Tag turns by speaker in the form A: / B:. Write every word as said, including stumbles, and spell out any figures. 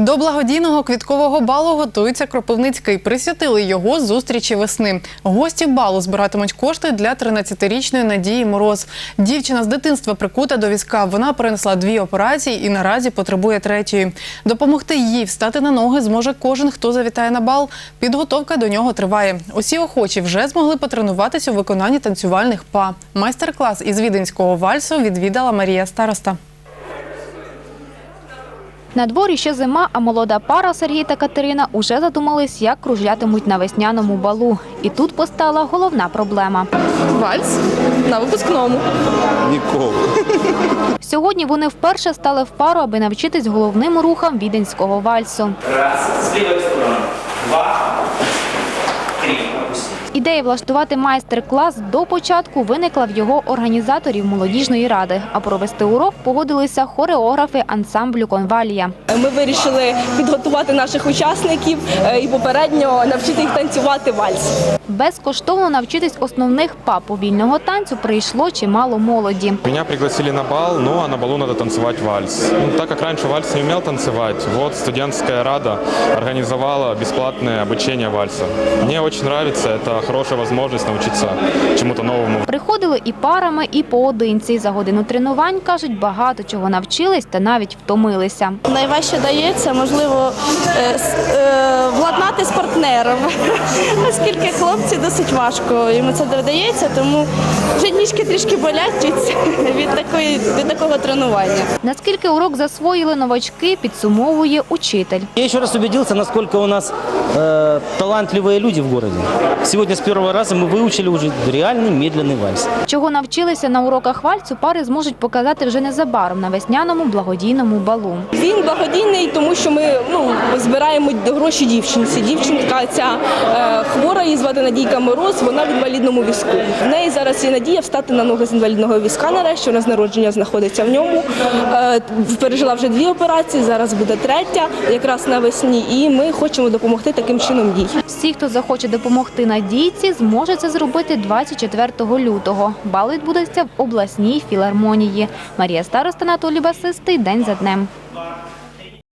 A: До благодійного квіткового балу готується Кропивницький. Присвятили його зустрічі весни. Гості балу збиратимуть кошти для тринадцятирічної Надії Мороз. Дівчина з дитинства прикута до візка. Вона перенесла дві операції і наразі потребує третьої. Допомогти їй встати на ноги зможе кожен, хто завітає на бал. Підготовка до нього триває. Усі охочі вже змогли потренуватися у виконанні танцювальних па. Майстер-клас із віденського вальсу відвідала Марія Староста.
B: На дворі ще зима, а молода пара Сергій та Катерина уже задумались, як кружлятимуть на весняному балу. І тут постала головна проблема.
C: Вальс на випускному.
D: Ніколи.
B: Сьогодні вони вперше стали в пару, аби навчитись головним рухам віденського вальсу.
E: Раз, з лівої сторони. Два, три.
B: Ідея влаштувати майстер-клас до початку виникла в його організаторів молодіжної ради. А провести урок погодилися хореографи ансамблю «Конвалія».
C: Ми вирішили підготувати наших учасників і попередньо навчити їх танцювати вальс.
B: Безкоштовно навчитись основних па повільного танцю прийшло чимало молоді.
F: Меня пригласили на бал, ну а на балу надо танцевать вальс. Ну, так как раньше вальс не умел танцевать, вот студенческая рада организовала бесплатное обучение вальса. Мне очень нравится, это хорошая возможность научиться чему-то новому.
B: Приходили і парами, і поодинці. За годину тренувань, кажуть, багато чого навчились та навіть втомилися.
G: Найважче дається, можливо, владнати з партнером, оскільки хлопці досить важко, йому це додається, тому вже ніжки трішки болять від, від, такої, від такого тренування.
B: Наскільки урок засвоїли новачки, підсумовує учитель.
H: Я ще раз убедився, наскільки у нас э, талантливі люди в місті. Сьогодні з першого разу ми вивчили вже реальний медленний вальс.
B: Чого навчилися на уроках вальсу, пари зможуть показати вже незабаром на весняному благодійному балу.
C: Він благодійний, тому що ми ну, збираємо гроші дівчинці. Дівчинка ця е, хвора, її звати Надійка Мороз, вона в інвалідному візку. В неї зараз є надія встати на ноги з інвалідного візка нарешті, вона з народження знаходиться в ньому. Е, пережила вже дві операції, зараз буде третя, якраз навесні, і ми хочемо допомогти таким чином їй.
B: Всі, хто захоче допомогти Надійці, зможе це зробити двадцять четвертого лютого. Бал відбудеться в обласній філармонії. Марія Староста, Анатолій Басистий. День за днем.